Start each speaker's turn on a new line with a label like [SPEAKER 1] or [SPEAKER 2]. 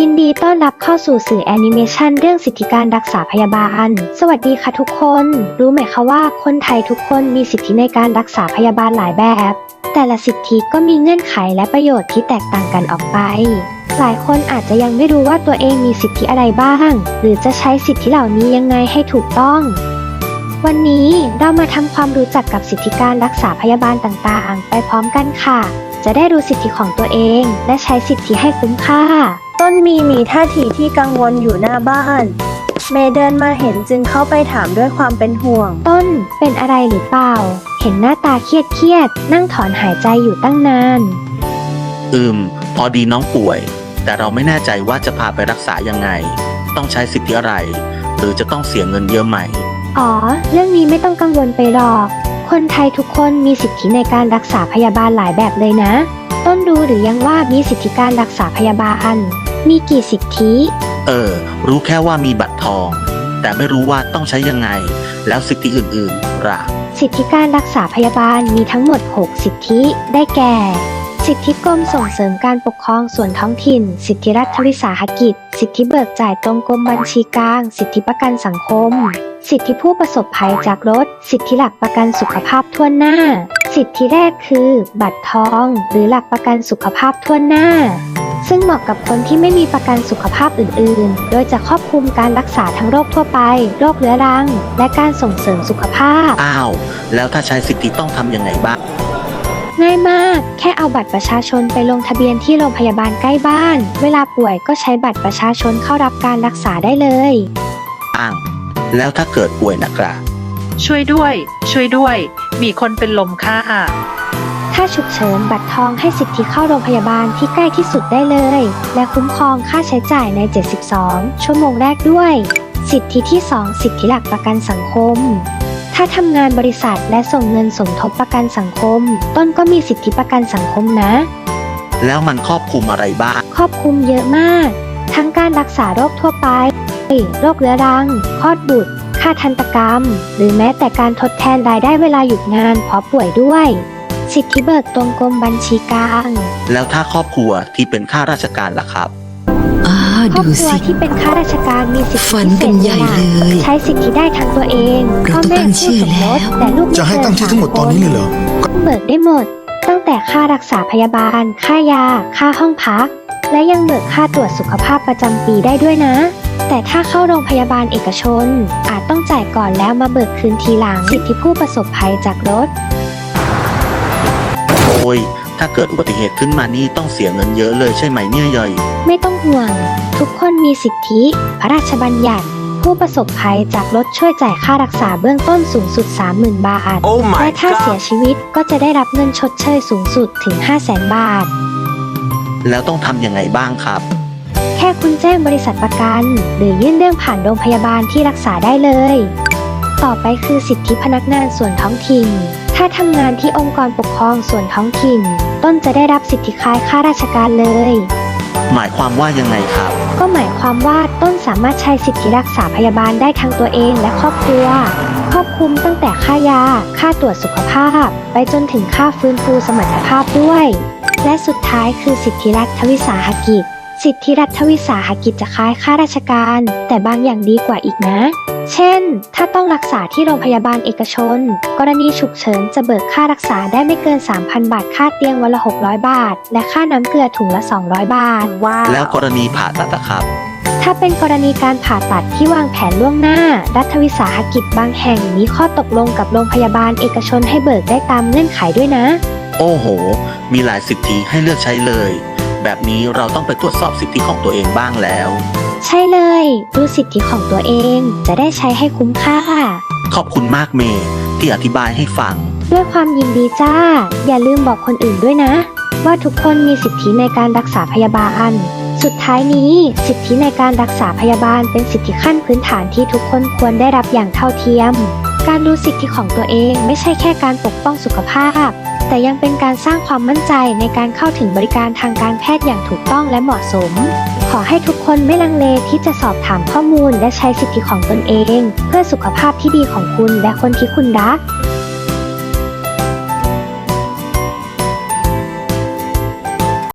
[SPEAKER 1] ยินดีต้อนรับเข้าสู่สื่อแอนิเมชันเรื่องสิทธิการรักษาพยาบาลสวัสดีค่ะทุกคนรู้ไหมคะว่าคนไทยทุกคนมีสิทธิในการรักษาพยาบาลหลายแบบแต่ละสิทธิก็มีเงื่อนไขและประโยชน์ที่แตกต่างกันออกไปหลายคนอาจจะยังไม่รู้ว่าตัวเองมีสิทธิอะไรบ้างหรือจะใช้สิทธิเหล่านี้ยังไงให้ถูกต้องวันนี้เรามาทำความรู้จักกับสิทธิการรักษาพยาบาลต่างๆไปพร้อมกันค่ะจะได้รู้สิทธิของตัวเองและใช้สิทธิให้คุ้มค่า
[SPEAKER 2] ต้นมีท่าทีที่กังวลอยู่หน้าบ้านเมย์เดินมาเห็นจึงเข้าไปถามด้วยความเป็นห่วง
[SPEAKER 1] ต้นเป็นอะไรหรือเปล่าเห็นหน้าตาเครียดนั่งถอนหายใจอยู่ตั้งนาน
[SPEAKER 3] พอดีน้องป่วยแต่เราไม่แน่ใจว่าจะพาไปรักษายังไงต้องใช้สิทธิอะไรหรือจะต้องเสียเงินเยอะไหม
[SPEAKER 1] อ๋อเรื่องนี้ไม่ต้องกังวลไปหรอกคนไทยทุกคนมีสิทธิในการรักษาพยาบาลหลายแบบเลยนะต้นรู้หรือยังว่ามีสิทธิการรักษาพยาบาลมีกี่สิทธิ
[SPEAKER 3] รู้แค่ว่ามีบัตรทองแต่ไม่รู้ว่าต้องใช้ยังไงแล้วสิทธิอื่นๆล่ะ
[SPEAKER 1] สิทธิการรักษาพยาบาลมีทั้งหมด6สิทธิได้แก่สิทธิกรมส่งเสริมการปกครองส่วนท้องถิ่นสิทธิรัฐวิสาหกิจสิทธิเบิกจ่ายตรงกรมบัญชีกลางสิทธิประกันสังคมสิทธิผู้ประสบภัยจากรถสิทธิหลักประกันสุขภาพทั่วหน้าสิทธิแรกคือบัตรทองหรือหลักประกันสุขภาพทั่วหน้าซึ่งเหมาะกับคนที่ไม่มีประกันสุขภาพอื่นๆโดยจะครอบคลุมการรักษาทั้งโรคทั่วไปโรคเรื้อรังและการส่งเสริมสุขภาพ
[SPEAKER 3] แล้วถ้าใช้สิทธิต้องทำยังไงบ้าง
[SPEAKER 1] ง่ายมากแค่เอาบัตรประชาชนไปลงทะเบียนที่โรงพยาบาลใกล้บ้านเวลาป่วยก็ใช้บัตรประชาชนเข้ารับการรักษาได้เลย
[SPEAKER 3] แล้วถ้าเกิดป่วยนะครับ
[SPEAKER 4] ช่วยด้วยมีคนเป็นลมค่ะ
[SPEAKER 1] ถ้าฉุกเฉินบัตรทองให้สิทธิเข้าโรงพยาบาลที่ใกล้ที่สุดได้เลยและคุ้มครองค่าใช้จ่ายใน72ชั่วโมงแรกด้วยสิทธิที่2สิทธิหลักประกันสังคมถ้าทำงานบริษัทและส่งเงินสมทบประกันสังคมต้นก็มีสิทธิประกันสังคมนะ
[SPEAKER 3] แล้วมันครอบคลุมอะไรบ้าง
[SPEAKER 1] ครอบคลุมเยอะมากทั้งการรักษาโรคทั่วไปโรคเรื้อรังคลอดบุตรค่าทันตกรรมหรือแม้แต่การทดแทนรายได้เวลาหยุดงานเพราะป่วยด้วยสิทธิเบิกตรงกรมบัญชีกลาง
[SPEAKER 3] แล้วถ้าครอบครัวที่เป็นข้าราชการล่ะครับ
[SPEAKER 1] ครอบครัวที่เป็นข้าราชการมีสิทธิ
[SPEAKER 5] พิเศษเลย
[SPEAKER 1] ใช้สิทธิได้ทั้งตัวเองพ่อแม่ผู้สมรสแต่ลูก
[SPEAKER 5] จะให้ตั้งชื่อทั้งหมดตอนนี้เลยเหรอ
[SPEAKER 1] เบิกได้หมดตั้งแต่ค่ารักษาพยาบาลค่ายาค่าห้องพักและยังเบิกค่าตรวจสุขภาพประจำปีได้ด้วยนะแต่ถ้าเข้าโรงพยาบาลเอกชนอาจต้องจ่ายก่อนแล้วมาเบิกคืนทีหลังสิทธิผู้ประสบภัยจากรถ
[SPEAKER 3] ถ้าเกิดอุบัติเหตุขึ้นมานี่ต้องเสียเงินเยอะเลยใช่ไหมเนี่ยย่อย
[SPEAKER 1] ไม่ต้องห่วงทุกคนมีสิทธิพระราชบัญญัติผู้ประสบภัยจากรถช่วยจ่ายค่ารักษาเบื้องต้นสูงสุด 30,000 บาท และถ้าเสียชีวิตก็จะได้รับเงินชดเชยสูงสุดถึง 500,000 บาท
[SPEAKER 3] แล้วต้องทำยังไงบ้างครับ
[SPEAKER 1] แค่คุณแจ้งบริษัทประกันหรือยื่นเรื่องผ่านโรงพยาบาลที่รักษาได้เลยต่อไปคือสิทธิพนักงานส่วนท้องถิ่นถ้าทำงานที่องค์กรปกครองส่วนท้องถิ่นต้นจะได้รับสิทธิคล้ายข้าราชการเลย
[SPEAKER 3] หมายความว่ายังไงครับ
[SPEAKER 1] ก็หมายความว่าต้นสามารถใช้สิทธิรักษาพยาบาลได้ทั้งตัวเองและครอบครัวครอบคลุมตั้งแต่ค่ายาค่าตรวจสุขภาพไปจนถึงค่าฟื้นฟูสมรรถภาพด้วยและสุดท้ายคือสิทธิรัฐวิสาหกิจสิทธิรัฐวิสาหกิจจะคล้ายข้าราชการแต่บางอย่างดีกว่าอีกนะเช่นถ้าต้องรักษาที่โรงพยาบาลเอกชนกรณีฉุกเฉินจะเบิกค่ารักษาได้ไม่เกิน 3,000 บาทค่าเตียงวันละ600 บาทและค่าน้ำเกลือถุงละ200 บาท
[SPEAKER 3] แล้วกรณีผ่าตัดครับ
[SPEAKER 1] ถ้าเป็นกรณีการผ่าตัดที่วางแผนล่วงหน้ารัฐวิสาหกิจบางแห่งมีข้อตกลงกับโรงพยาบาลเอกชนให้เบิกได้ตามเงื่อนไขด้วยนะ
[SPEAKER 3] โอ้โหมีหลายสิทธิให้เลือกใช้เลยแบบนี้เราต้องไปตรวจสอบสิทธิของตัวเองบ้างแล้ว
[SPEAKER 1] ใช่เลยรู้สิทธิของตัวเองจะได้ใช้ให้คุ้มค่า
[SPEAKER 3] ขอบคุณมากเมย์ที่อธิบายให้ฟัง
[SPEAKER 1] ด้วยความยินดีจ้าอย่าลืมบอกคนอื่นด้วยนะว่าทุกคนมีสิทธิในการรักษาพยาบาลสุดท้ายนี้สิทธิในการรักษาพยาบาลเป็นสิทธิขั้นพื้นฐานที่ทุกคนควรได้รับอย่างเท่าเทียมการรู้สิทธิของตัวเองไม่ใช่แค่การปกป้องสุขภาพแต่ยังเป็นการสร้างความมั่นใจในการเข้าถึงบริการทางการแพทย์อย่างถูกต้องและเหมาะสมขอให้ทุกคนไม่ลังเลที่จะสอบถามข้อมูลและใช้สิทธิของตนเองเพื่อสุขภาพที่ดีของคุณและคนที่คุณรัก